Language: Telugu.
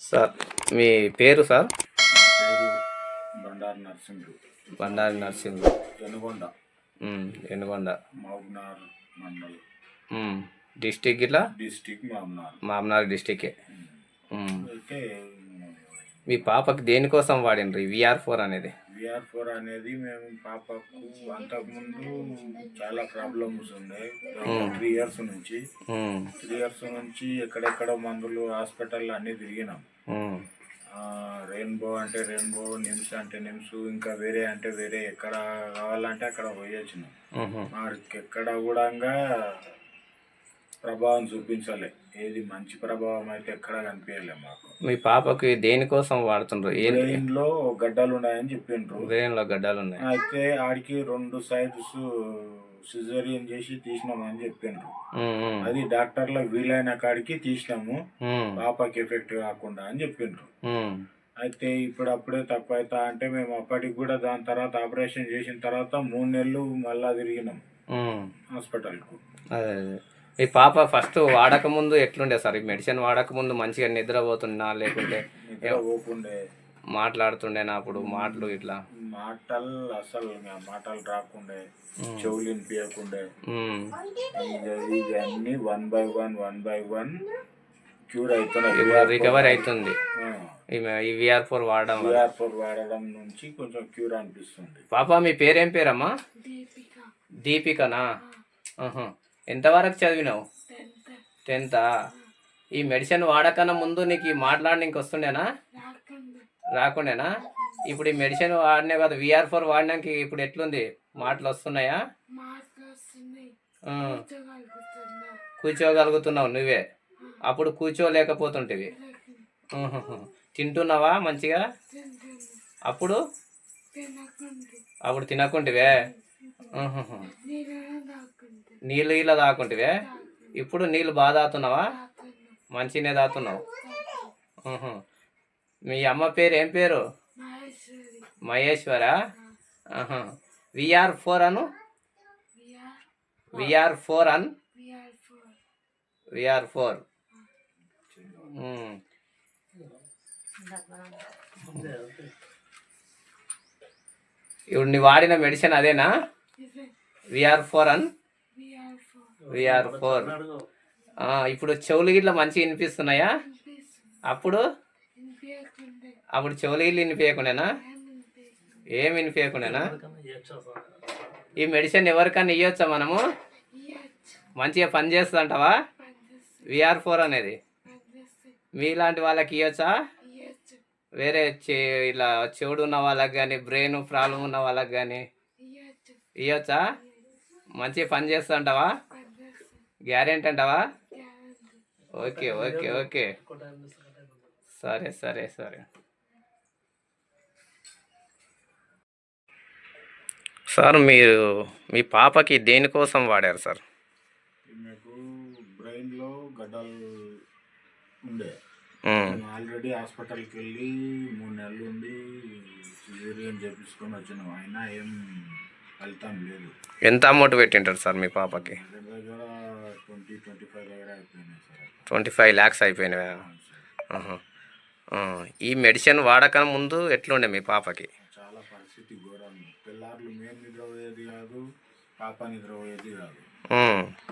సార్ మీ పేరు సార్? నా పేరు బండారు నరసింహుడు. బండారి నర్సింగ్. ఎనుగొండ ఎనుగొండ మహబూబ్నగర్ మండల్ డిస్టిక్ ఇట్లా డిస్టిక్ మహబూబ్నగర్. మామనార్ డిస్టికే. అయితే మీ పాపకి దేనికోసం వాడినరు ఈ VR4 అనేది? VR4 అనేది మేము పాపకు అంతకుముందు చాలా ప్రాబ్లమ్స్ ఉన్నాయి. 3 ఇయర్స్ నుంచి 3 ఇయర్స్ నుంచి ఎక్కడెక్కడ మందులు హాస్పిటల్ అన్నీ తిరిగినాం. రెయిన్బో అంటే రెయిన్బో, నిమ్స్ అంటే నిమ్స్, ఇంకా వేరే అంటే వేరే, ఎక్కడ కావాలంటే అక్కడ పోయొచ్చినాం. మనకి ఎక్కడ కూడా ప్రభావం చూపించలే. ఏది మంచి ప్రభావం అయితే ఎక్కడ కనిపించలే మాకు. మీ పాపకి దేనికోసం వాడుతుండ్రు? బ్రెయిన్ లో గడ్డలు ఉన్నాయని చెప్పిండ్రు. బ్రెయిన్ లో గడ్డలు ఉన్నాయి. అయితే ఆడికి 2 సైడ్స్ సిజేరియన్ చేసి తీసినామని చెప్పిండ్రు. అది డాక్టర్ల వీలైన కాడికి తీసినాము, పాపకి ఎఫెక్ట్ కాకుండా అని చెప్పిండ్రు. అయితే ఇప్పుడప్పుడే తక్కువ అవుతా అంటే మేము అప్పటికి కూడా దాని తర్వాత ఆపరేషన్ చేసిన తర్వాత 3 నెలలు మళ్ళా తిరిగినాం హాస్పిటల్కు. అదే మీ పాప ఫస్ట్ వాడక ముందు ఎట్లుండే సార్? ఈ మెడిసిన్ వాడక ముందు మంచిగా నిద్రపోతున్నా లేకుంటే పోకుండే, మాట్లాడుతుండేనా అప్పుడు? మాటలు ఇట్లా మాటలు అసలు మాటలు రాకుండే, చెవులు వినిపించకుండే. ఇవన్నీ 1 by 1 క్యూర్ అవుతున్నాయి, రికవరీ అవుతుంది ఈ VR4 వాడడం. VR4 వాడడం నుంచి కొంచెం క్యూర్ అనిపిస్తుంది. పాప మీ పేరేం పేరమ్మా? దీపికనా? ఎంతవరకు చదివినావు? 10th. ఈ మెడిసిన్ వాడకన్నా ముందు నీకు ఈ మాట్లాడడానికి వస్తుండేనా? రాకుండేనా? ఇప్పుడు ఈ మెడిసిన్ వాడినే కదా, VR4 వాడినాక ఇప్పుడు ఎట్లుంది? మాటలు వస్తున్నాయా? కూర్చోగలుగుతున్నావు నువ్వే, అప్పుడు కూర్చోలేకపోతుంటివి. తింటున్నావా మంచిగా? అప్పుడు తినకుంటివే, నీళ్ళు ఇలా తాకుంటివే. ఇప్పుడు నీళ్ళు బాగా తాగుతున్నావా? మంచిగానే తాగుతున్నావు. మీ అమ్మ పేరు ఏం పేరు? మహేశ్వరా? VR4 అను, VR4 అను, VR4. ఇప్పుడు నీ వాడిన మెడిసిన్ అదేనా? VR4 అన్, VR4. ఇప్పుడు చెవులు గిట్ల మంచిగా వినిపిస్తున్నాయా? అప్పుడు చెవులు గిట్ల వినిపించకుండానా? ఏం వినిపించకుండానా? ఈ మెడిసిన్ ఎవరికన్నా ఇవ్వచ్చా మనము? మంచిగా పని చేస్తుందంటావా VR4 అనేది? మీలాంటి వాళ్ళకి ఇవ్వచ్చా? వేరే ఇలా చెవుడు ఉన్న వాళ్ళకి కానీ, బ్రెయిన్ ప్రాబ్లం ఉన్న వాళ్ళకి కానీ ఇవ్వచ్చా? మంచిగా పని చేస్తుంటావా? గ్యారెంటీ అంటావా? ఓకే ఓకే ఓకే, సరే సరే సరే. సార్ మీరు మీ పాపకి దేనికోసం వాడారు సార్? మీకు బ్రెయిన్లో గడ్డలు ఉండే, ఆల్రెడీ హాస్పిటల్కి వెళ్ళి 3 నెలలు ఉండి సిజేరియన్ చేపించుకొని వచ్చినాం. అయినా ఏం ఫలితం లేదు. ఎంత అమౌంట్ పెట్టింటారు సార్ మీ పాపకి? దగ్గర 20-25 దగ్గర అయిపోయినాయి సార్. 25 lakhs అయిపోయినాయా? ఈ మెడిసిన్ వాడకం ముందు ఎట్లుండే మీ పాపకి? చాలా పరిస్థితి ఘోరం. పిల్లలు మేము నిద్రపోయేది కాదు, పాప నిద్రపోయేది కాదు.